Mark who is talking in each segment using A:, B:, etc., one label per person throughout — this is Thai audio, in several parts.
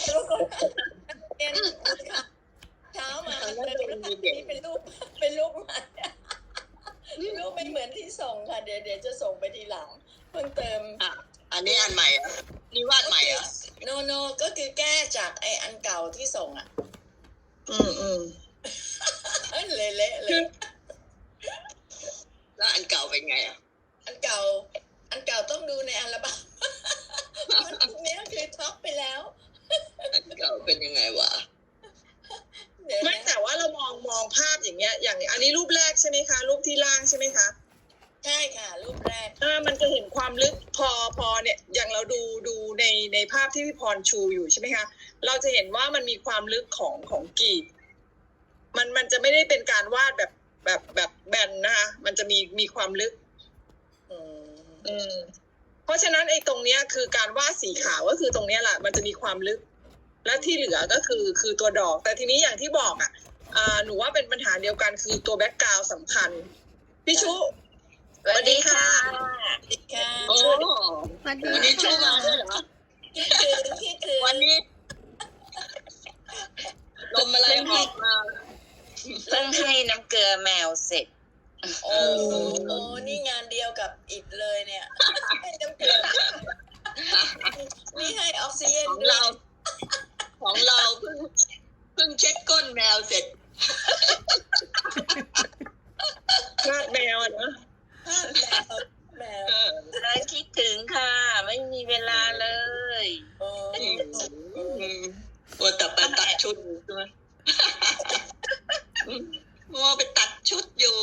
A: บางคนเรียนค่ะเช้ามานี่เป็นรูปใหม่รูปไม่เหมือนที่ส่งค่ะเดี๋ยวจะส่งไปทีหลังเพิ่งเติม
B: อันนี้อันใหม่อ่ะนี่วาดใหม่อ่ะ
A: โนก็คือแก้จากไออันเก่าที่ส่งอ่ะเละเลย
B: แล้วอันเก่าเป็นไงอ่ะ
A: อันเก่าต้องดูในอัลบั้มมันนี้คือท็อปไปแล้ว
B: อันเก่าเป็นยังไงวะ
C: ไม่แต่ว่าเรามองภาพอย่างเงี้ยอย่างอันนี้รูปแรกใช่ไหมคะรูปที่ล่างใช่ไหมคะ
A: ใช่ค่ะรูปแรก
C: มันจะเห็นความลึกพอเนี่ยอย่างเราดูในภาพที่พี่พรชูอยู่ใช่ไหมคะเราจะเห็นว่ามันมีความลึกของกรีบมันจะไม่ได้เป็นการวาดแบบแบนนะคะมันจะมีความลึกเพราะฉะนั้นไอ้ตรงเนี้ยคือการวาดสีขาวก็คือตรงเนี้ยแหละมันจะมีความลึกและที่เหลือก็คือตัวดอกแต่ทีนี้อย่างที่บอกหนูว่าเป็นปัญหาเดียวกันคือตัวแบ็กกราวด์สำคัญพี่ชุ
A: สวัสดีค่ะ
B: โอ้วันนี้ชูมาเหรอ
A: คิดถึง
B: วันนี้ลมอะไรออกมา
D: เพิ่งให้น้ำเกลือแมวเสร็จ
A: โอ้นี่งานเดียวกับอิดเลยเนี่ยให้น้ำเกลือนี่ให้ออกซิเจน
B: ของเราเพิ่งเช็ดก้นแมวเสร็จ
C: วาดแมวนะ
A: แมว
D: คิดถึงค่ะไม่มีเวลาเลย
B: ว่าแต่ไปตัดชุดใช่ไหมว่าไปตัดชุดอยู่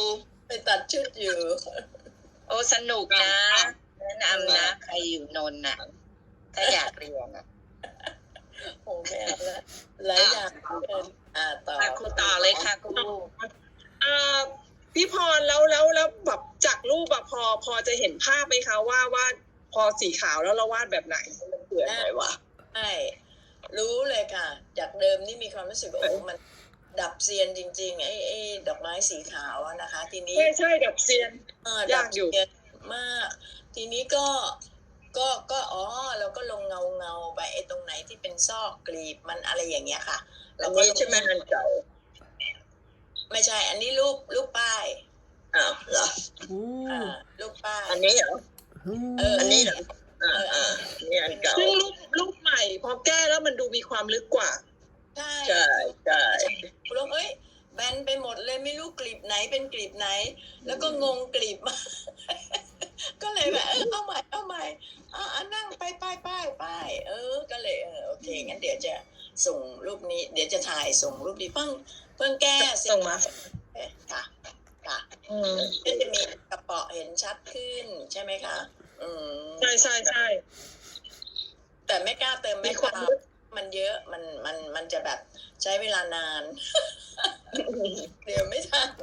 D: โอ้สนุกนะแนะนำนะใครอยู่นนท์น่ะถ้าอยากเรียน
A: โอ้แม่ละหลายอย่าง
D: ต่อครูต่อเลยค่ะครู
C: พี่พรแล้วแบบจากรูปพอจะเห็นภาพไหมคะว่าพอสีขาวแล้วเราวาดแบบไหนมันเกิดอะไรวะ
A: ใช่รู้เลยค่ะจากเดิมนี่มีความรู้สึกว่าโอ้มันดับเซียนจริงๆไอ้ดอกไม้สีขาวนะคะทีนี้
C: ใช่ดับเซียน
A: ดับเซียนมากทีนี้ก็เราก็ลงเงาไปไอ้ตรงไหนที่เป็นซอกกลีบมันอะไรอย่างเงี้ยค่ะ
C: เราก็ใช่ไหมอันเก่า
A: ไม่ใช่อันนี้รูปป้าย
B: เหรอ
A: รูปป้าย
B: อันนี้เหรออันนี้เหรอนี่อันเก่า
C: ซึ่งรูปใหม่พอแก้แล้วมันดูมีความลึกกว่า
A: ใช่คุณลงแบนไปหมดเลยไม่รู้กลีบไหนเป็นกลีบไหนแล้วก็งงกลีบมาก็เลยแบบเอาใหม่นั่งไปก็เลยโอเคงั้นเดี๋ยวจะส่งรูปนี้เดี๋ยวจะถ่ายส่งรูปนี้เพิ่งแก้
C: ส่งมา
A: ค่ะก็จะมีกระเป๋าเห็นชัดขึ้นใช่ไหมคะ
C: ใช่
A: แต่ไม่กล้าเติมไม่กล้ามันเยอะมันจะแบบใช้เวลานานเดี๋ยวไม่ทัน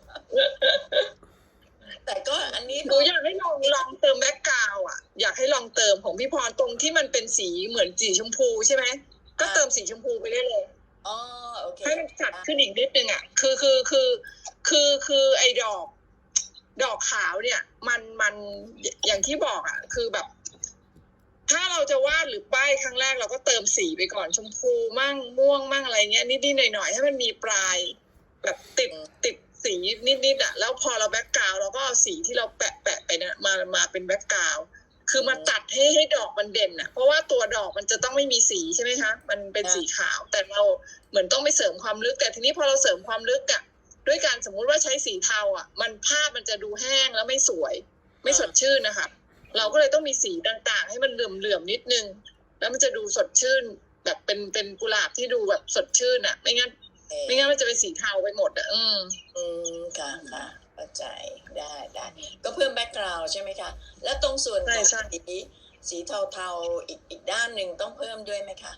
A: แต่ก็อันนี้
C: หนูอยากให้ลองเติมแบ็คกราวด์อยากให้ลองเติมของพี่พรตรงที่มันเป็นสีเหมือนสีชมพูใช่ไหมก็เติมสีชมพูไปได้เลย
A: โอเค
C: ให้มันจัดขึ้นอีกนิดนึงคือไอ้ดอกขาวเนี่ยมันอย่างที่บอกคือแบบถ้าเราจะวาดหรือป้ายครั้งแรกเราก็เติมสีไปก่อนชมพูมั่งม่วงมั่งอะไรเงี้ยนิดๆหน่อยๆให้มันมีปลายแบบติดสีนิดแล้วพอเราแบ็คกราวด์เราก็เอาสีที่เราแปะไปนะมาเป็นแบ็คกราวด์คือมาตัดให้ดอกมันเด่นเพราะว่าตัวดอกมันจะต้องไม่มีสีใช่ไหมคะมันเป็นสีขาวแต่เราเหมือนต้องไปเสริมความลึกแต่ทีนี้พอเราเสริมความลึกด้วยการสมมุติว่าใช้สีเทามันภาพมันจะดูแห้งแล้วไม่สวยไม่สดชื่นนะคะเราก็เลยต้องมีสีต่างๆให้มันเหลื่อมนิดนึงแล้วมันจะดูสดชื่นแบบเป็นกุหลาบที่ดูแบบสดชื่นไม่งั้นมันจะเป็นสีเทาไปหมด
A: ค่ะเข้าใจได้ก็เพิ่มแบ็คกราวด์ใช่ไหมคะแล้วตรงส่วนสีเทาๆอีกด้านหนึ่งต้องเพิ่มด้วยไหมคะ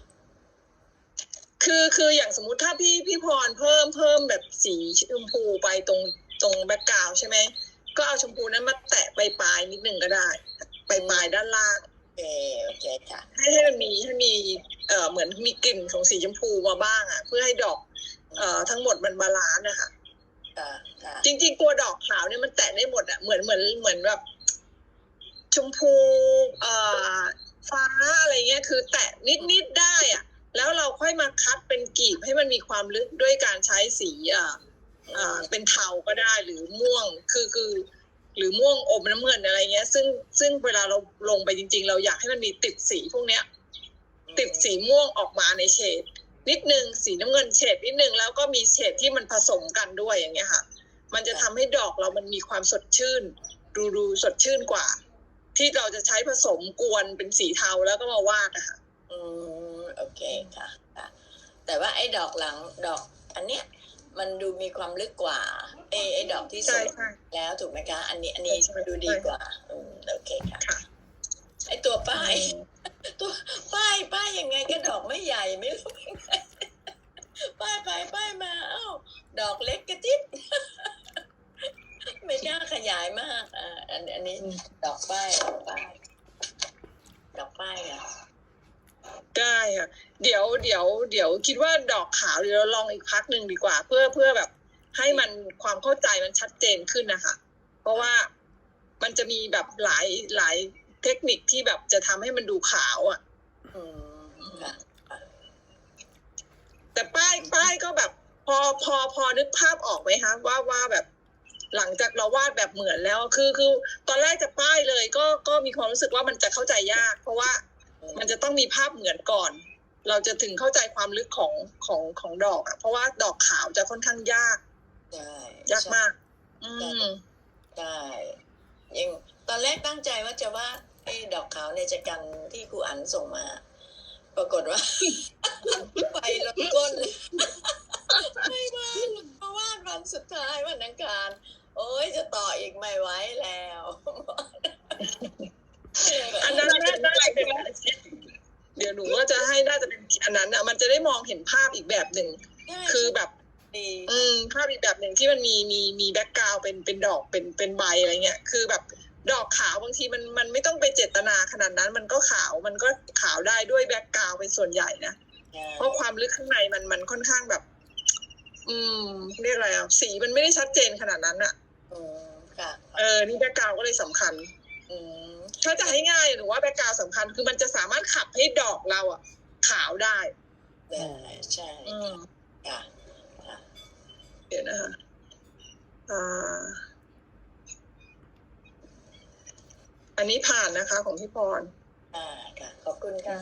C: คืออย่างสมมุติถ้าพี่พรเพิ่มแบบสีชมพูไปตรงแบ็คกราวด์ใช่ไหมก็เอาชมพูนั้นมาแตะปลายนิดนึงก็ได้ปลายด้านล่าง
A: โอเคค่ะ
C: ให้มันมีเหมือนมีกลิ่นของสีชมพูมาบ้างเพื่อให้ดอกทั้งหมดมันบาลานซ์นะคะจริงๆตัวดอกขาวเนี่ยมันแตะได้หมดเหมือนแบบชมพูฟ้าอะไรเงี้ยคือแตะนิดได้แล้วค่อยมาคัดเป็นกลีบให้มันมีความลึกด้วยการใช้สีเป็นเทาก็ได้หรือม่วงคือหรือม่วงอมน้ำเงินอะไรเงี้ยซึ่งเวลาเราลงไปจริงๆเราอยากให้มันมีติดสีพวกเนี้ยติดสีม่วงออกมาในเฉดนิดนึงสีน้ำเงินเฉดนิดนึงแล้วก็มีเฉดที่มันผสมกันด้วยอย่างเงี้ยค่ะมันจะทำให้ดอกเรามันมีความสดชื่นดูสดชื่นกว่า ที่เราจะใช้ผสมกวนเป็นสีเทาแล้วก็มาวาดนะคะ
A: โอเคค่ะค่ะ แต่ว่าไอ้ดอกหลังดอกอันเนี้ยมันดูมีความลึกกว่าไอ้ดอกที่สวยแล้วถูกไหมคะ อันนี้ดูดีกว่าโอเคค่ะไอ้ตัวป้ายตัวป้ายยังไงก็ดอกไม่ใหญ่ไม่รู้ยังไงป้ายไปป้ายมาเอ้าดอกเล็กกระจิ๊บไม่กล้าขยายมากอันนี้ดอกป้ายค่ะ
C: ได้ค่ะเดี๋ยวคิดว่าดอกขาวเดี๋ยวเราลองอีกพักหนึ่งดีกว่า เพื่อแบบให้มันความเข้าใจมันชัดเจนขึ้นนะคะเพราะว่ามันจะมีแบบหลายเทคนิคที่แบบจะทำให้มันดูขาวอ่ะแต่ป้ายก็แบบพอนึกภาพออกไหมคะว่าแบบหลังจากเราวาดแบบเหมือนแล้วคือตอนแรกจะป้ายเลยก็มีความรู้สึกว่ามันจะเข้าใจยากเพราะว่ามันจะต้องมีภาพเหมือนก่อน เราจะถึงเข้าใจความลึกของดอกอ่ะเพราะว่าดอกขาวจะค่อนข้างยากมาก
A: ใช่ยังตอนแรกตั้งใจว่าจะวาดดอกขาวในจักรันที่ครูอั๋นส่งมา ปรากฏว่า ไปลดก้นไม่วาดเพราะวาดวันสุดท้ายวันอังคารโอ้ยจะต่ออีกไม่ไหวแล้ว
C: อันนั้นน่าจะเป็นเดี๋ยวหนูก็จะให้น่าจะเป็นอันนั้นอ่ะมันจะได้มองเห็นภาพอีกแบบหนึ่งคือแบบภาพอีกแบบหนึ่งที่มันมีแบ็คกราวด์เป็นดอกเป็นใบอะไรเงี้ยคือแบบดอกขาวบางทีมันไม่ต้องไปเจตนาขนาดนั้นมันก็ขาวได้ด้วยแบ็คกราวด์เป็นส่วนใหญ่นะเพราะความลึกข้างในมันค่อนข้างแบบเรียกอะไรอ่ะสีมันไม่ได้ชัดเจนขนาดนั้นอ่ะนี่แบ็คกราวด์ก็เลยสำคัญถ้าจะให้ง่ายหนูว่าแบ็คกราวด์สำคัญคือมันจะสามารถขับให้ดอกเราอ่ะขาวได้
A: ใช่
C: เดี๋ยวนะคะอันนี้ผ่านนะคะของพี่พร
A: ค่ะขอบคุณค่ะ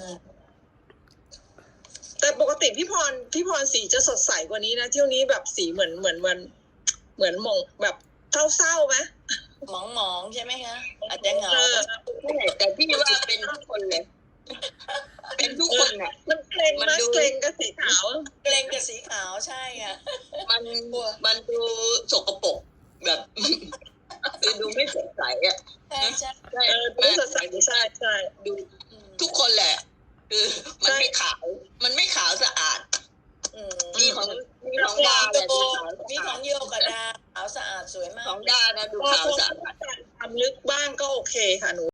C: แต่ปกติพี่พรสีจะสดใสกว่านี้นะเที่ยวนี้แบบสีเหมือนหม่องแบบเศร้าไหม
A: หมองใช่ไหมคะอาจจะเหงา
B: แต่พี่ว่าเป็นทุกคนเลยเป็นทุกคนอ่ะ
C: มันเกรงกับสีขาว
A: ใช่ค่ะ
B: มันดูสกปรกแบบดูไม่สดใสอ่ะ
C: ดูสดใสใช่
B: ดูทุกคนแหละคือมันไม่ขาวสะอาดมีของดาแบบ
A: มีของโยกับดาขาวสะอาดสวยมาก
B: ของดานะดูขาวสะอาด
C: ความลึกบ้างก็โอเคค่ะหนู